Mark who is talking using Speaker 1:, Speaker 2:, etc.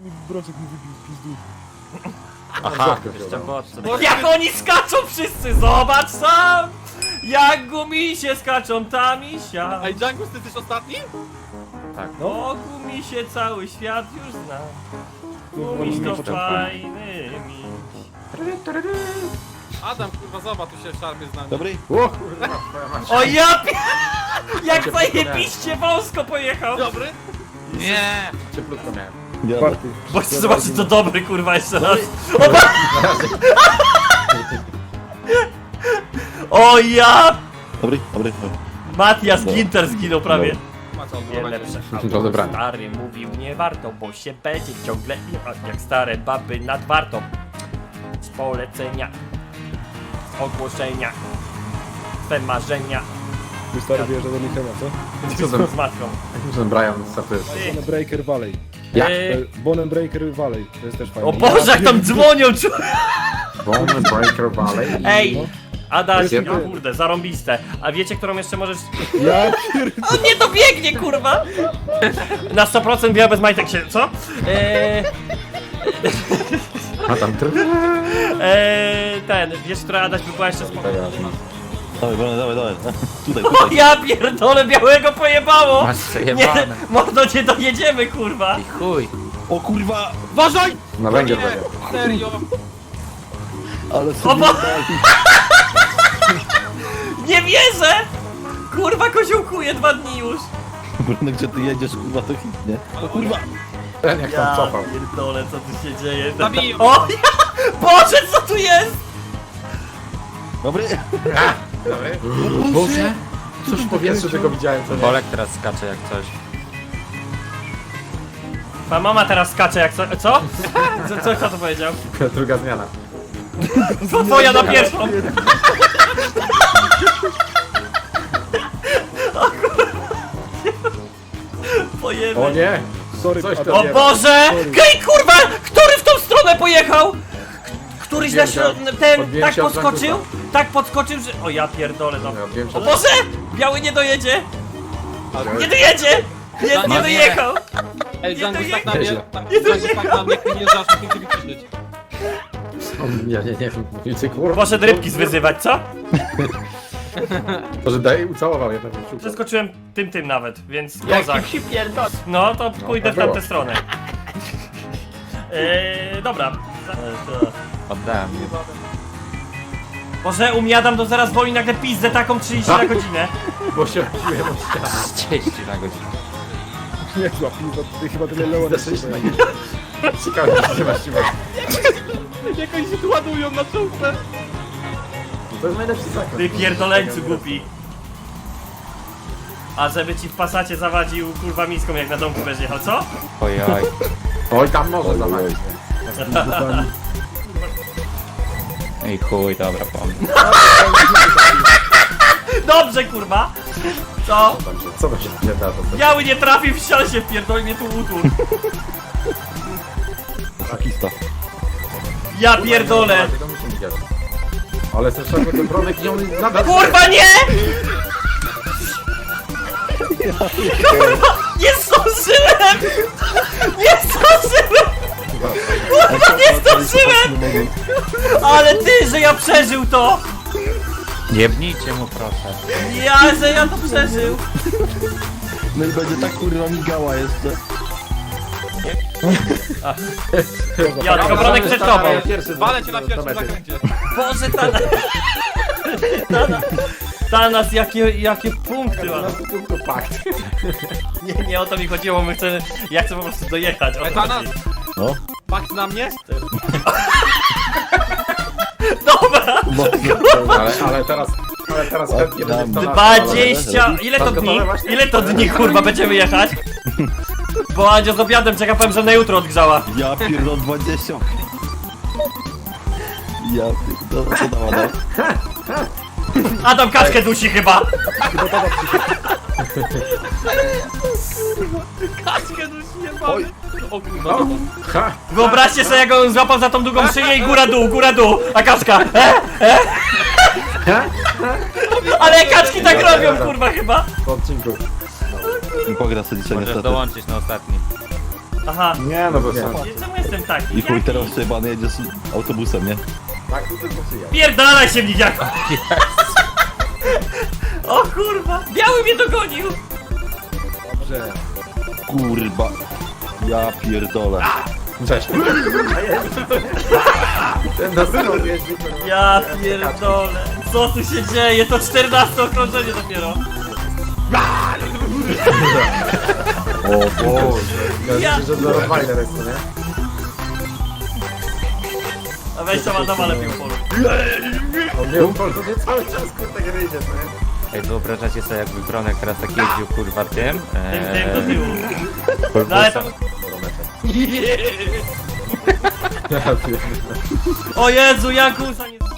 Speaker 1: Brączek mi wybił, pizdu.
Speaker 2: Aha, jeszcze mocno.
Speaker 3: No jak oni skaczą wszyscy, zobacz sam! Jak gumisie skaczą tam i siam.
Speaker 4: Ej, Django, ty jesteś ostatni?
Speaker 3: O gumisie cały świat już zna. Gumiś to fajny miś.
Speaker 4: Adam, kurwa, zobacz, tu się szarpie z nami.
Speaker 5: Dobry?
Speaker 2: O kurwa, twoja masz.
Speaker 3: O ja jak zajebiście wąsko pojechał!
Speaker 4: Dobry?
Speaker 2: Nie! Cieplutko miałem.
Speaker 5: Ja
Speaker 1: Czwarty.
Speaker 3: Właśnie zobaczcie to dobry kurwa jeszcze raz. O ja!
Speaker 5: Dobry, dobry.
Speaker 3: Matias Ginter zginął prawie.
Speaker 4: Macie
Speaker 3: Nie
Speaker 4: odwołanie.
Speaker 3: lepsze.
Speaker 2: Do odebrania.
Speaker 3: Stary mówił nie warto, bo się będzie ciągle jak stare baby nad wartą. Z polecenia, z ogłoszenia, te marzenia
Speaker 1: Mój stary wyjeżdża do Michała, co?
Speaker 2: Co tam?
Speaker 3: z matką.
Speaker 2: Ten Brian startuje.
Speaker 1: Bonham Breaker Valley.
Speaker 2: Jak?
Speaker 1: Bonham Breaker Valley. To jest też fajne.
Speaker 3: O Boże, jak tam dzwonią!
Speaker 2: Bone Breaker Valley.
Speaker 3: Ej! Adaś,
Speaker 2: Jest-
Speaker 3: o kurde, zarąbiste. A wiecie, którą jeszcze możesz...
Speaker 1: Ja pier...
Speaker 3: On nie dobiegnie, kurwa! Na 100% biała bez majtek się, co?
Speaker 2: A tam
Speaker 3: Ten, wiesz, która Adaś by była jeszcze spokojna.
Speaker 5: Dawaj, dawaj, dawaj. Tutaj,
Speaker 3: O
Speaker 5: tutaj.
Speaker 3: ja pierdolę, białego pojebało!
Speaker 2: Masz
Speaker 3: Nie,
Speaker 2: przejebane.
Speaker 3: mordo, nie dojedziemy, kurwa!
Speaker 2: I chuj.
Speaker 5: O kurwa!
Speaker 4: Uważaj!
Speaker 2: Na węgiel
Speaker 4: Nie,
Speaker 2: będzie.
Speaker 4: serio!
Speaker 5: Ale
Speaker 3: O
Speaker 5: sobie
Speaker 3: bo... Nie wierzę! Kurwa, koziołkuje 2 dni już!
Speaker 5: Bruno, gdzie ty jedziesz, kurwa, to hit, nie? O kurwa!
Speaker 2: Ten jak tam cofał.
Speaker 3: pierdolę, co tu się dzieje?
Speaker 4: Zabiję.
Speaker 3: O! Boże, co tu jest?
Speaker 5: Dobry!
Speaker 2: Dobry. Boże. Cóż w powietrzu tego widziałem, co nie?
Speaker 6: Bolek teraz skacze jak coś.
Speaker 3: Ma mama teraz skacze jak co? Co? Kto to powiedział?
Speaker 2: Druga zmiana.
Speaker 3: To twoja na pierwszą! Pojemy.
Speaker 2: O nie!
Speaker 1: Sorry,
Speaker 2: Coś
Speaker 1: a
Speaker 2: to
Speaker 3: O
Speaker 2: nie.
Speaker 3: Boże! Hej, kurwa! Który w tą stronę pojechał? Któryś na ten
Speaker 2: Odbiłem
Speaker 3: tak
Speaker 2: się od
Speaker 3: podskoczył?
Speaker 2: Frankusa.
Speaker 3: Tak podskoczył, że... O ja pierdolę, no.
Speaker 2: Ja wiem,
Speaker 3: O
Speaker 2: że...
Speaker 3: Boże! Biały nie dojedzie! Nie dojedzie! Nie dojechał!
Speaker 4: Ej, Django, tak na
Speaker 2: Nieźle.
Speaker 4: mnie, Django, tak na mnie, nie żarz, nie chcę wyciszyć.
Speaker 2: Nie wiem. Mówicie, kurwa.
Speaker 3: Poszedł rybki zwyzywać, co?
Speaker 2: Może daj ucałował jednego.
Speaker 3: Przeskoczyłem tym nawet, więc kozak.
Speaker 2: się pierdol.
Speaker 3: No to pójdę w
Speaker 2: było.
Speaker 3: tamtę stronę. Dobra.
Speaker 6: Oddałem.
Speaker 3: Boże, umiadam, to zaraz woli nagle pizdę taką 30 na godzinę.
Speaker 2: Bo się odbiłem od ściany.
Speaker 6: 30 na godzinę.
Speaker 1: nie złap, ty chyba tyle leło nie
Speaker 2: Zaczyna
Speaker 1: słuchaj.
Speaker 2: Ciekawe, że masz siłę.
Speaker 4: Jak oni się tu ładują na czołówce.
Speaker 2: To jest najlepszy zakręt.
Speaker 3: Ty pierdoleńcu głupi. A żeby ci w pasacie zawadził kurwa miską jak na domku będziesz jechał, co?
Speaker 6: Ojoj.
Speaker 2: Oj, tam może zamachać.
Speaker 6: Ej chuj, dobra, pomysł.
Speaker 3: Dobrze kurwa! Co?
Speaker 2: Co to się nie da? To
Speaker 3: Biały nie trafił w ścian się wpierdoli mnie tu utul.
Speaker 5: Szakista.
Speaker 3: Ja pierdolę!
Speaker 2: To musi widzieć. Ale ten szarpy ten bronek i on nadal...
Speaker 3: Kurwa nie! Kurwa! Nie zdążyłem! Nie zdążyłem! Kurwa nie zdążyłem! Ale ty, że ja przeżył to!
Speaker 6: Jebnijcie mu proszę.
Speaker 3: Że ja to przeżył!
Speaker 5: No i będzie tak kurwa migała jeszcze.
Speaker 3: Ja tylko bronek przed tobą!
Speaker 4: Walę cię na pierwszym zakręcie.
Speaker 3: Boże, Tanas, jakie punkty ma.
Speaker 2: Pakt.
Speaker 3: Nie o to mi chodziło, ja chcę po prostu dojechać. O to
Speaker 4: Tanas,
Speaker 3: chodzi.
Speaker 5: No.
Speaker 4: pakt na mnie?
Speaker 3: Dobra!
Speaker 2: Ale teraz chętnie będzie to
Speaker 3: 20! Ile to dni? Ile to dni kurwa będziemy jechać? Bo Andzia z obiadem czeka, powiem, że na jutro odgrzała.
Speaker 5: Ja pierdol 20. Ja pierdol, co dała, dał?
Speaker 3: Adam kaczkę dusi chyba! Kaczkę dusi jebany.
Speaker 4: O kurwa, no.
Speaker 2: Ha!
Speaker 3: Wyobraźcie sobie, jak on złapał za tą długą szyję i góra dół, a kaczka Ale kaczki tak robią kurwa chyba!
Speaker 2: Po odcinku.
Speaker 5: Pogra sobie dzisiaj
Speaker 6: Możesz
Speaker 5: niestety.
Speaker 6: dołączyć na ostatni.
Speaker 3: Aha.
Speaker 2: Nie, no bez sensu.
Speaker 3: Czemu jestem taki?
Speaker 5: I chuj,
Speaker 3: Jaki?
Speaker 5: teraz przejebany jedzie z autobusem, nie?
Speaker 2: Tak, tu tylko przyjechał.
Speaker 3: Pierdalaj się, mnidziaku! O kurwa! Biały mnie dogonił!
Speaker 1: Dobrze.
Speaker 5: Kurwa. Ja pierdolę.
Speaker 2: Cześć. Ten na synu jeździ.
Speaker 3: Ja pierdolę! Co tu się dzieje? To 14 okrążenie dopiero!
Speaker 2: O Boże.
Speaker 3: Ja-
Speaker 2: Ja myślę, że zaraz fajne jest, nie?
Speaker 3: A weź tam Adama lepiej upoluj.
Speaker 2: On mnie cały czas kurde gryzie, co nie?
Speaker 6: Ej, wyobrażacie sobie, jakby Bronek teraz tak jeździł, kurwa, tym?
Speaker 3: Tym do tyłu.
Speaker 6: Kurwa,
Speaker 3: No ale to...
Speaker 2: Ja pierdolę.
Speaker 3: O Jezu, Jakusa nie...